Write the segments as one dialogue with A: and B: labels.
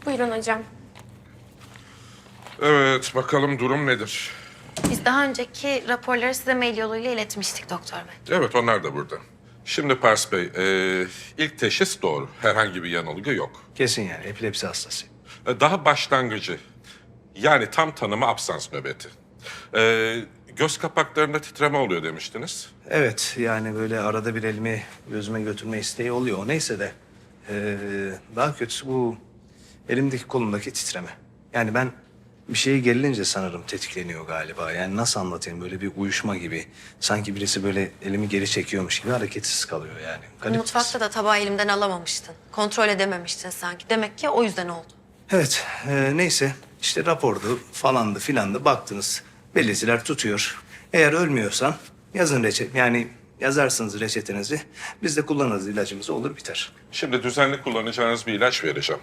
A: Buyurun hocam.
B: Evet, bakalım durum nedir?
A: Biz daha önceki raporları size mail yoluyla iletmiştik doktor bey.
B: Evet, onlar da burada. Şimdi Pars Bey, ilk teşhis doğru. Herhangi bir yanılgı yok.
C: Kesin yani epilepsi hastası.
B: Daha başlangıcı, yani tam tanımı absans nöbeti. Göz kapaklarında titreme oluyor demiştiniz.
C: Evet yani böyle arada bir elimi gözüme götürme isteği oluyor. O neyse de daha kötüsü bu elimdeki kolumdaki titreme. Yani ben bir şeye gerilince sanırım tetikleniyor galiba. Yani nasıl anlatayım, böyle bir uyuşma gibi. Sanki birisi böyle elimi geri çekiyormuş gibi hareketsiz kalıyor yani. Garip.
A: Mutfakta da tabağı elimden alamamıştın. Kontrol edememiştin sanki. Demek ki o yüzden oldu.
C: Evet neyse işte rapordu falandı filandı baktınız. Belirtiler tutuyor. Eğer ölmüyorsan yazın yani yazarsınız reçetenizi. Biz de kullanırız ilacımızı, olur biter.
B: Şimdi düzenli kullanacağınız bir ilaç vereceğim.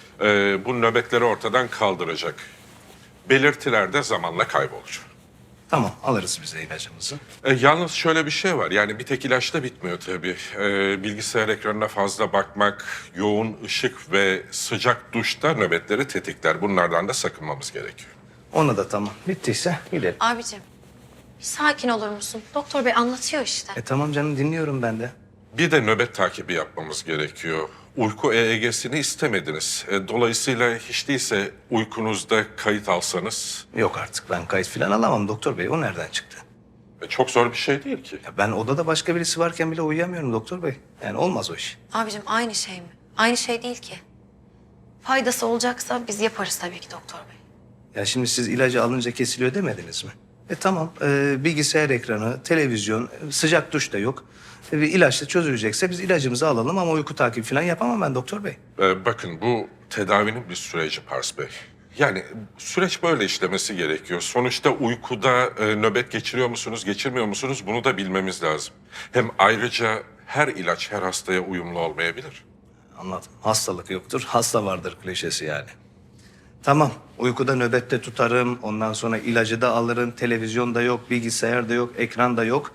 B: Bu nöbetleri ortadan kaldıracak. Belirtiler de zamanla kaybolur.
C: Tamam, alırız biz de ilacımızı.
B: Yalnız şöyle bir şey var, yani bir tek ilaçla bitmiyor tabii. Bilgisayar ekranına fazla bakmak, yoğun ışık ve sıcak duşta nöbetleri tetikler. Bunlardan da sakınmamız gerekiyor.
C: Ona da tamam. Bittiyse gidelim.
A: Abicim, bir sakin olur musun? Doktor bey anlatıyor işte.
C: Tamam canım, dinliyorum ben de.
B: Bir de nöbet takibi yapmamız gerekiyor. Uyku EEG'sini istemediniz. Dolayısıyla hiç değilse uykunuzda kayıt alsanız...
C: Yok artık, ben kayıt falan alamam doktor bey. O nereden çıktı?
B: Çok zor bir şey değil ki.
C: Ya ben odada başka birisi varken bile uyuyamıyorum doktor bey. Yani olmaz o iş.
A: Abicim aynı şey mi? Aynı şey değil ki. Faydası olacaksa biz yaparız tabii ki doktor bey.
C: Ya şimdi siz ilacı alınca kesiliyor demediniz mi? Tamam, bilgisayar ekranı, televizyon, sıcak duş da yok. Bir ilaçla çözülecekse biz ilacımızı alalım ama uyku takibi falan yapamam ben doktor bey.
B: Bakın bu tedavinin bir süreci Pars Bey. Yani süreç böyle işlemesi gerekiyor. Sonuçta uykuda nöbet geçiriyor musunuz, geçirmiyor musunuz bunu da bilmemiz lazım. Hem ayrıca her ilaç her hastaya uyumlu olmayabilir.
C: Anladım. Hastalık yoktur, hasta vardır klişesi yani. Tamam, uykuda nöbette tutarım, ondan sonra ilacı da alırım, televizyon da yok, bilgisayar da yok, ekran da yok.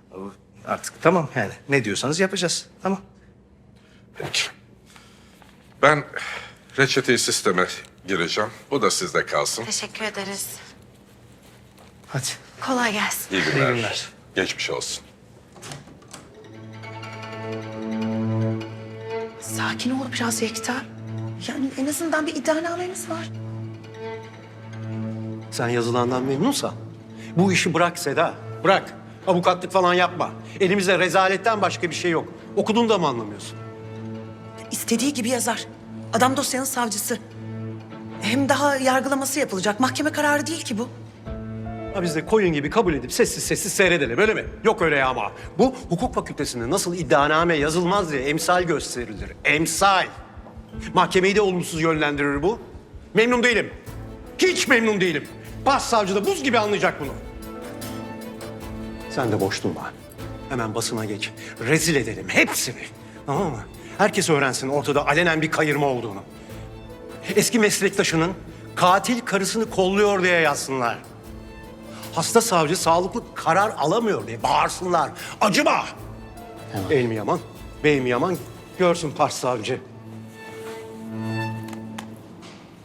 C: Artık tamam yani, ne diyorsanız yapacağız, tamam.
B: Peki. Ben reçeteyi sisteme gireceğim. Bu da sizde kalsın.
A: Teşekkür ederiz.
C: Hadi.
A: Kolay gelsin.
B: İyi günler.
C: İyi günler.
B: Geçmiş olsun.
D: Sakin ol biraz Yekta. Yani en azından bir iddianamemiz var.
E: Sen yazılandan memnunsan bu işi bırak Seda, bırak. Avukatlık falan yapma. Elimizde rezaletten başka bir şey yok. Okudun da mı anlamıyorsun?
D: İstediği gibi yazar. Adam dosyanın savcısı. Hem daha yargılaması yapılacak. Mahkeme kararı değil ki bu.
E: Ha biz de koyun gibi kabul edip sessiz sessiz seyredelim öyle mi? Yok öyle ya ama. Bu hukuk fakültesinde nasıl iddianame yazılmaz diye emsal gösterilir. Emsal. Mahkemeyi de olumsuz yönlendirir bu. Memnun değilim. Hiç memnun değilim. Başsavcı da buz gibi anlayacak bunu. Sen de boş durma. Hemen basına geç. Rezil edelim hepsini. Tamam mı? Herkes öğrensin ortada alenen bir kayırma olduğunu. Eski meslektaşının katil karısını kolluyor diye yazsınlar. Hasta savcı sağlıklı karar alamıyor diye bağırsınlar. Acıma! El mi yaman, bey mi yaman görsün Pars savcı.